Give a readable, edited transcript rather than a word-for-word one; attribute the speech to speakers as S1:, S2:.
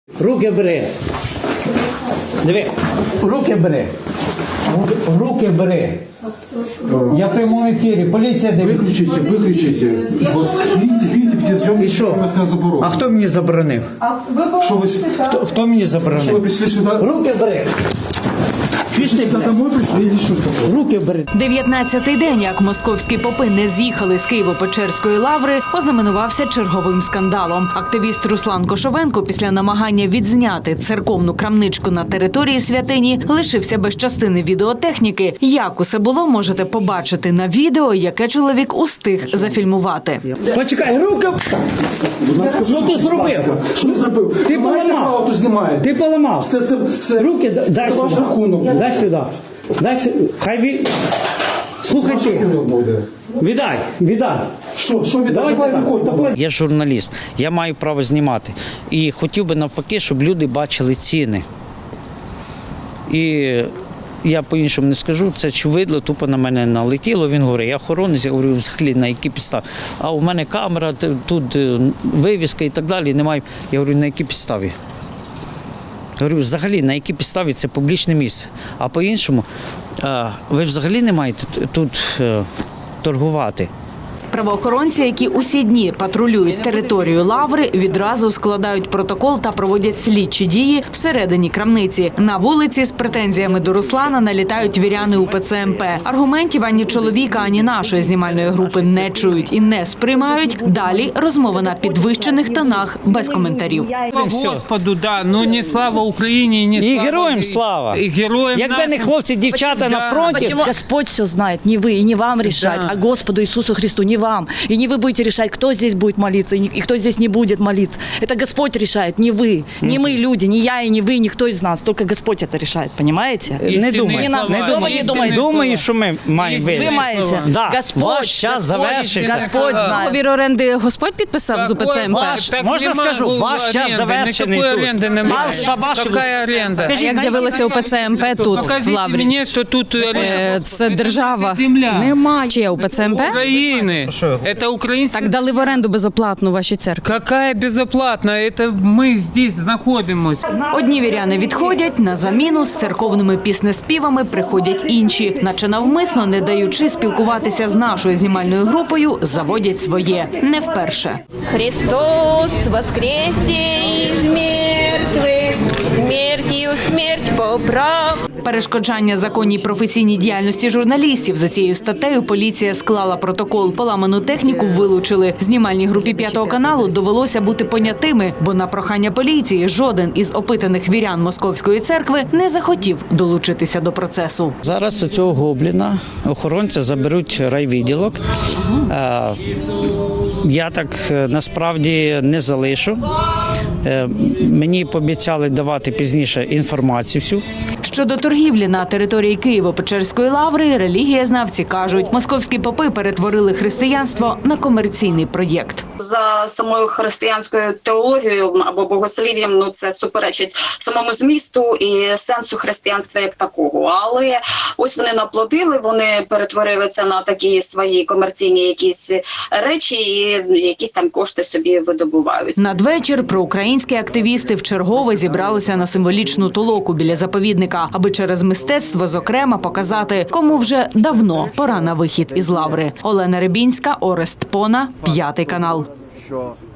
S1: Руки бери. Диви, руки бери. Руки бери. Я в прямому ефірі. Поліція дивиться.
S2: Выключите. Видите, где съемки, что нас заборонено.
S1: А хто мені заборонив?
S2: Что вы...
S1: Хто мені
S2: Что вы
S1: заборонив?
S2: пришли сюда?
S1: Руки бери. Чуєш ти,
S2: Сюда домой пришли или что такое?
S1: руки бери.
S3: 19-й день, як московські попи не з'їхали з Києво-Печерської лаври, ознаменувався черговим скандалом. Активіст Руслан Кошовенко після намагання відзняти церковну крамничку на території святині лишився без частини відеотехніки. Як усе було, можете побачити на відео, яке чоловік устиг зафільмувати.
S1: Почекай, руки. Що ти зробив?
S2: Що ти зробив?
S1: Ти поламав.
S2: Хто знімає?
S1: Ти поламав.
S2: Це
S1: Руки дай
S2: ваш
S1: сюди.
S2: рахунок.
S1: Дай сюди. Дай сюди. Хай Слухай
S2: Ваш
S1: ти.
S2: рахунок буде.
S1: Віддай.
S2: Що віддавай? Давай виходь, давай.
S4: Я журналіст, я маю право знімати. І хотів би навпаки, щоб люди бачили ціни. І я по-іншому не скажу, це чувидло тупо на мене налетіло. Він говорить, я охоронець, я говорю, взагалі на які підстави. А у мене камера, тут вивіска і так далі, немає. Я говорю, на які підставі? Говорю, взагалі, на якій підставі це публічне місце. А по-іншому, ви взагалі не маєте тут торгувати.
S3: Правоохоронці, які усі дні патрулюють територію лаври, відразу складають протокол та проводять слідчі дії всередині крамниці. На вулиці з претензіями до Руслана налітають віряни УПЦ МП. Аргументів ані чоловіка, ані нашої знімальної групи не чують і не сприймають. Далі розмова на підвищених тонах без коментарів.
S5: Господу, да, ну не слава Україні, не
S4: І
S5: слава
S4: героям слава!
S5: І героям
S4: Якби не
S5: нашим.
S4: хлопці, дівчата на фронті,
S6: Почему? Господь все знает, не вы и не вам решать, а Господу Иисусу Христу, не вам. И не вы будете решать, кто здесь будет молиться и кто здесь не будет молиться. Это Господь решает, не вы, не мы люди, не я и не вы, никто из нас. Только Господь это решает, понимаете?
S4: не думаю.
S6: Не надо,
S4: Не
S6: что вы не думаете?
S4: Думаю, що ми маємо
S6: Вы
S4: вийти.
S6: маете.
S4: Да.
S6: Господь,
S4: Ваш час
S6: Господь,
S4: завершився.
S6: Господь знает.
S3: Договір оренди Господь підписав з УПЦ МП?
S5: Так
S4: Можна
S5: нема
S4: скажу, ваш час
S5: оренди,
S4: завершений
S5: никакой
S4: тут.
S5: оренди немає.
S4: Мал шабаш.
S5: Какая оренда?
S3: Як з'явилося УПЦ МП тут, в
S5: Покажіть
S3: лаврі?
S5: мені, що тут оренда.
S3: Це держава.
S5: Земля.
S3: Немає. Чи є УПЦ МП?
S5: України. Это українська.
S3: Так дали в оренду безоплатну ваші церкви.
S5: Какая безоплатна? Это мы здесь знаходимося.
S3: Одні віряни відходять, на заміну з церковними піснеспівами приходять інші. Наче навмисно, не даючи спілкуватися з нашою знімальною групою, заводять своє. Не вперше.
S7: Христос воскресе из мертвых, смертью смерть поправ.
S3: Перешкоджання законній професійній діяльності журналістів. За цією статтею поліція склала протокол. Поламану техніку вилучили. Знімальній групі 5 каналу довелося бути понятими, бо на прохання поліції жоден із опитаних вірян Московської церкви не захотів долучитися до процесу.
S4: Зараз цього гобліна охоронці заберуть райвідділок. Я так насправді не залишу. Мені пообіцяли давати пізніше інформацію всю.
S3: Щодо торгівлі на території Києво-Печерської лаври, релігієзнавці кажуть, московські попи перетворили християнство на комерційний проєкт.
S8: За самою християнською теологією або богослів'ям, ну це суперечить самому змісту і сенсу християнства як такого. Але ось вони наплодили, вони перетворили це на такі свої комерційні якісь речі і якісь там кошти собі видобувають.
S3: Надвечір проукраїнські активісти вчергове зібралися на символічну толоку біля заповідника, аби через мистецтво, зокрема, показати, кому вже давно пора на вихід із лаври. Олена Рибінська, Орест Пона, 5 канал.